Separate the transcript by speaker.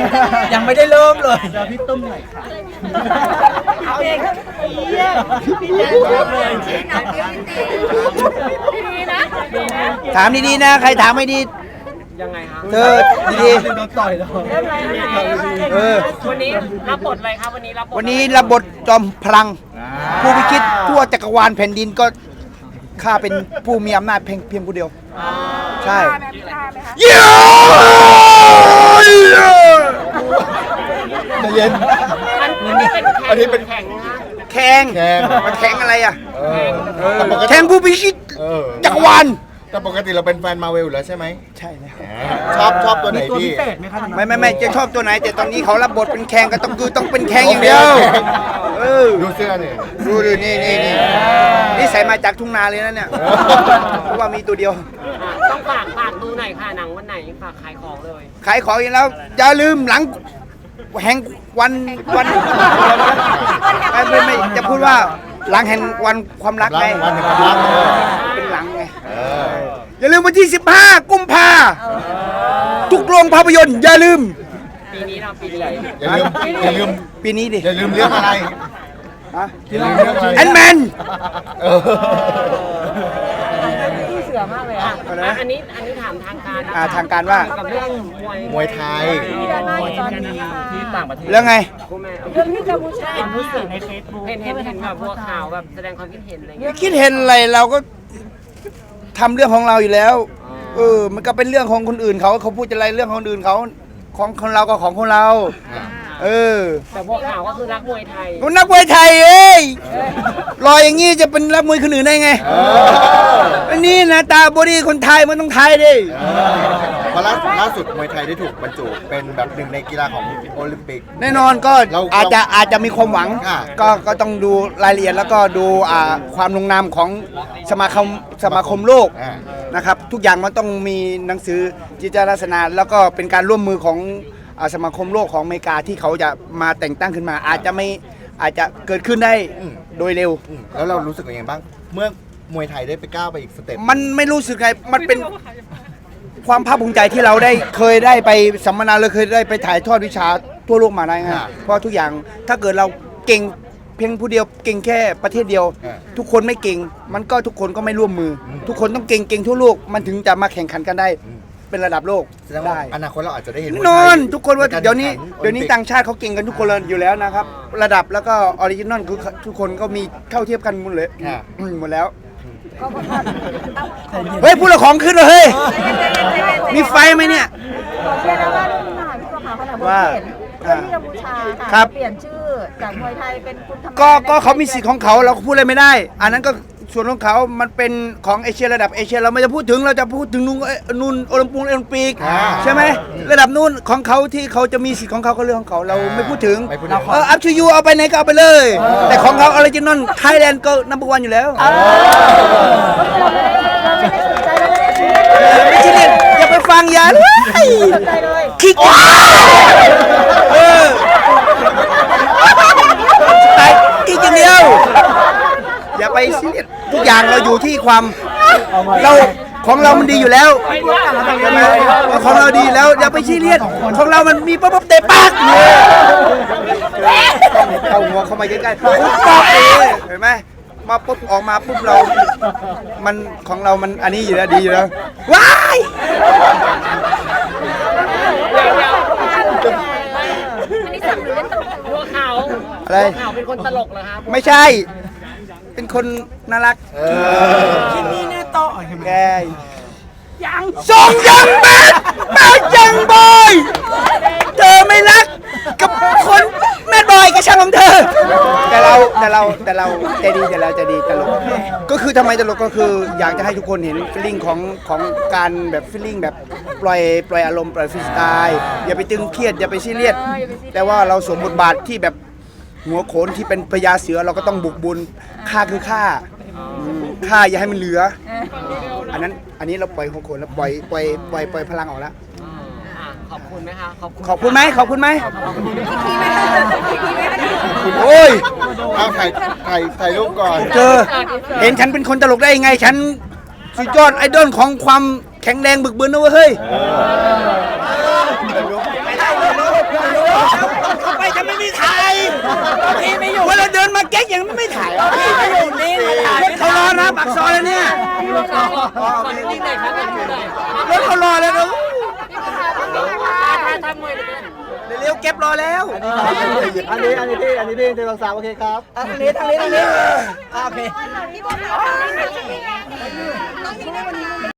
Speaker 1: ยังไม่ได้เริ่มเลย
Speaker 2: เดี๋ยวพี่ตุ้มหน่อยค่ะ
Speaker 3: เอาเองพี่แจ๊คเลยดีนะ
Speaker 4: ถามดีๆนะใครถามไม่ดี
Speaker 1: ยังไงครับ
Speaker 4: เธอดี
Speaker 2: โดนต่อยแล้ว
Speaker 1: วันนี้รับบทอะไรครับวันนี้รับบท
Speaker 4: ๆวันนี้รับบทจอมพลัง ผู้พิชิตทั่วจักรวาลแผ่นดินก็ข้าเป็นผู้มีอำนาจเพียงผู้เดียวใช่เย้
Speaker 5: ใจเย็น
Speaker 1: อันนี้เป็นแข่งนะ
Speaker 4: แข่ง
Speaker 5: แข่ง
Speaker 4: มาแข่งอะไรอ่ะ
Speaker 5: แต่ปกติ
Speaker 4: แข่งผู้พิชิตจักรวาล
Speaker 5: แต่ปกติเราเป็นแฟนมาเวลอยู่แล้วใช่ไหม
Speaker 4: ใช่แล้ว
Speaker 5: ชอบตัวไหน
Speaker 2: ตัว
Speaker 5: พี่
Speaker 2: พิเศษไหมคะ
Speaker 4: ไม่จะชอบตัวไหน แต่ตอนนี้เขารับบทเป็นแข่งก็ต้องเป็นแข่งอย่างเดียวเออ
Speaker 5: ดูเสื้อเนี่ย
Speaker 4: ดูดินี่ใส่มาจากทุ่งนาเลยนะเนี่ยเพราะว่ามีตัวเดียว
Speaker 1: ต้องฝากดูหน่อยค่ะหนังวันไหนฝากขายของเลย
Speaker 4: ขายของอีกแล้วอย่าลืมหลังแห่งวันไม่จะพูดว่าหลังแห่งวันความรักไง
Speaker 5: วันแห่งความรัก
Speaker 4: เป็นหลังไงอย่าลืมวันที่15 กุมภาทุกโรงภาพยนตร์อย่าลืม
Speaker 1: ปีนี้เราปีไหน
Speaker 5: อย่าลืม
Speaker 4: ปีนี้ดิ
Speaker 5: อย่าลืมเรื่องอะไร
Speaker 4: ฮะ
Speaker 5: อย่าลืมเรื่องอะไร
Speaker 4: แอนแมน
Speaker 1: เสือมากเลยอ่ะอันนี้ถามทางการนะ
Speaker 4: ทางการว่า
Speaker 1: กับเรื่อง
Speaker 5: มวยไทย
Speaker 2: ที่ต่างประเทศ
Speaker 4: แล้วไง
Speaker 1: คุณแม่
Speaker 3: เรื่องที่กัมพูชา
Speaker 1: เห็นรู้สึกในเฟซบุ๊กเห็นแบบบัวขาวแบบแสดงความคิดเห็นอะไรเงี้ย
Speaker 4: คิดเห็นอะไรเราก็ทำเรื่องของเราอยู่แล้วมันก็เป็นเรื่องของคนอื่นเขาพูดอะไรเรื่องของคนอื่นเขาของเราก็ของคนเรา
Speaker 1: แต่บัวขาวก็คือรักมวยไทย
Speaker 4: คนนักมวยไทยเอ้ยรอยอย่างงี้จะเป็นนักมวยคนอื่นได้ไงอันนี้นะตาบอดี้คนไทยมันต้องไทยดิ
Speaker 5: เพราะล่าสุดมวยไทยได้ถูกบรรจุเป็นแบบหนึ่งในกีฬาของโอลิมปิก
Speaker 4: แน่นอนก็อาจจะมีความหวัง
Speaker 5: อ่า
Speaker 4: ก็ต้องดูรายละเอียดแล้วก็ดูความลงนามของสมาคมโลกนะครับทุกอย่างมันต้องมีหนังสือจิตลักษณะแล้วก็เป็นการร่วมมือของสมาคมโลกของอเมริกาที่เขาจะมาแต่งตั้งขึ้นมา อาจจะเกิดขึ้นได้โดยเร็ว
Speaker 5: แล้วเรารู้สึกยังไงบ้าง เมื่อมวยไทยได้ไปก้าวไปอีกสเต็ป
Speaker 4: มันไม่รู้สึกไงมันเป็นความภาคภูมิใจที่เราเคยได้ไปสัมมนาเลยเคยได้ไปถ่ายทอดวิชาทั่วโลกมาได้ไงเพราะทุกอย่างถ้าเกิดเราเก่งเพียงผู้เดียวเก่งแค่ประเทศเดียว ทุกคนไม่เก่งมันก็ทุกคนก็ไม่ร่วมมือ ทุกคนต้องเก่งทั่วโลกมันถึงจะมาแข่งขันกันได้เป็นระดับโลก
Speaker 5: แสดงว่า
Speaker 4: ได้
Speaker 5: อนาคตเราอาจจะได้เห็นมวยไทย
Speaker 4: นอนทุกคนว่า
Speaker 5: ใกร
Speaker 4: เดี๋ยวนี้
Speaker 5: แข่
Speaker 4: ต่างชาติเขาเก่งกันทุกคนเลยอยู่แล้วนะครับ ระดับแล้วก็ออริจินอลคือทุกคนก็มีเท่าเทียบกันหมดเลยหมดแล้วเฮ้ยพูดละของขึ้นเลยเฮ้ยมีไฟไหมเนี่ย
Speaker 3: เชื่อนะว่าเรื่องนี้มาพี่บัวขาวเขาถามว่าเห็นเรื่องที่กัมพูชา
Speaker 4: ครั
Speaker 3: ค่ะ
Speaker 4: บ
Speaker 3: เปลี่ยนชื่อจากมวยไทยเป็นคุณธรรม
Speaker 4: ก็เขามีสิทธิ์ของเขาเราก็พูดอะไรไม่ได้ อันนั้นก็ส่วนของเขามันเป็นของเอเชียระดับเอเชียเราไม่จะพูดถึงเราจะพูดถึงนู่นโอลิมปิกใช่ไหมระดับนู่นของเขาที่เขาจะมีสิทธิ์ของเขาก็เรื่องของเขาเราไม่พูดถึง
Speaker 5: ไม่พูดถึง
Speaker 4: อัพชูยูเอาไปไหนก็เอาไปเลย แต่ของเขาออริจินอลไทยแลนด์ก็นัมเบอร์วันอยู่แล้วไม่ใช่เนี่ยอย่าไปฟังอย่าเลย
Speaker 3: สนใจเลย
Speaker 4: คิกตายคิกอย่างเดียวอย่าไปซีเรียสทุกอย่างเราอยู่ที่ความเราของเรามันดีอยู่แล้วใช่ไหมของเราดีแล้วอย่าไปซีเรียสของเรามันมีปั๊บเตะปากเอาหัวเข้ามาใกล้ๆปุ๊บปั๊บเลยเห็นไหมมาปุ๊บออกมาปุ๊บเรามันของเรามันอันนี้อยู่แล้วดีอยู่แล้วว้าย
Speaker 3: อันนี้สั่งหรือเล่นตลก
Speaker 1: บัวขาว
Speaker 4: อะไร
Speaker 1: บัวขาวเป็นคนตลกเหรอครับ
Speaker 4: ไม่ใช่ เป็นคนน่ารัก
Speaker 2: ที่นี่แน่ต่อ
Speaker 4: แกส่งยังแบดแบดยังบอยเธอไม่รักกับคนแมดบอยก็ช่างของเธอ แต่เราใจดีแต่เราใจดีตลกก็คือทำไมตลกก็คืออยากจะให้ทุกคนเห็นฟีลลิ่งของการแบบฟีลลิ่งแบบปล่อยอารมณ์ปล่อยฟรีสไตล์อย่าไปตึงเครียดอย่าไปซีเรียสแต่ว่าเราสวมบทบาทที่แบบหัวโขนที่เป็นพญาเสือเราก็ต้องบุกบุญฆ่าคือฆ่าอย่าให้มันเหลืออันนี้เราปล่อยหัวโขนแล้วปล่อยพลังออกแล้ว
Speaker 1: ขอบคุณไหมคะขอบคุณ
Speaker 4: ขอบคุณไหมโอ้ย
Speaker 5: เอาถ่ายรูปก่อน
Speaker 4: เธอเห็นฉันเป็นคนตลกได้ยังไงฉันสุดยอดไอดอลของความแข็งแรงบึกบึนนะเว้ยเฮ้ยพี่ไม่อยู่เวลาเดินมาเก๊กยังไม่ถ่ายพี่ไม่อยู่นี่รถเขารอนะปากซอยแล้วเนี่ย
Speaker 1: ขอนิ่งๆหน่อยครับขอนิ่งๆหน่อย
Speaker 4: รถเขารอแล้วก็
Speaker 1: ทำมวยเลย
Speaker 4: เร็วๆเก็บรอแล้ว
Speaker 5: อันนี้พี่1 2 3โอเคครับ
Speaker 4: ทางนี้โอเค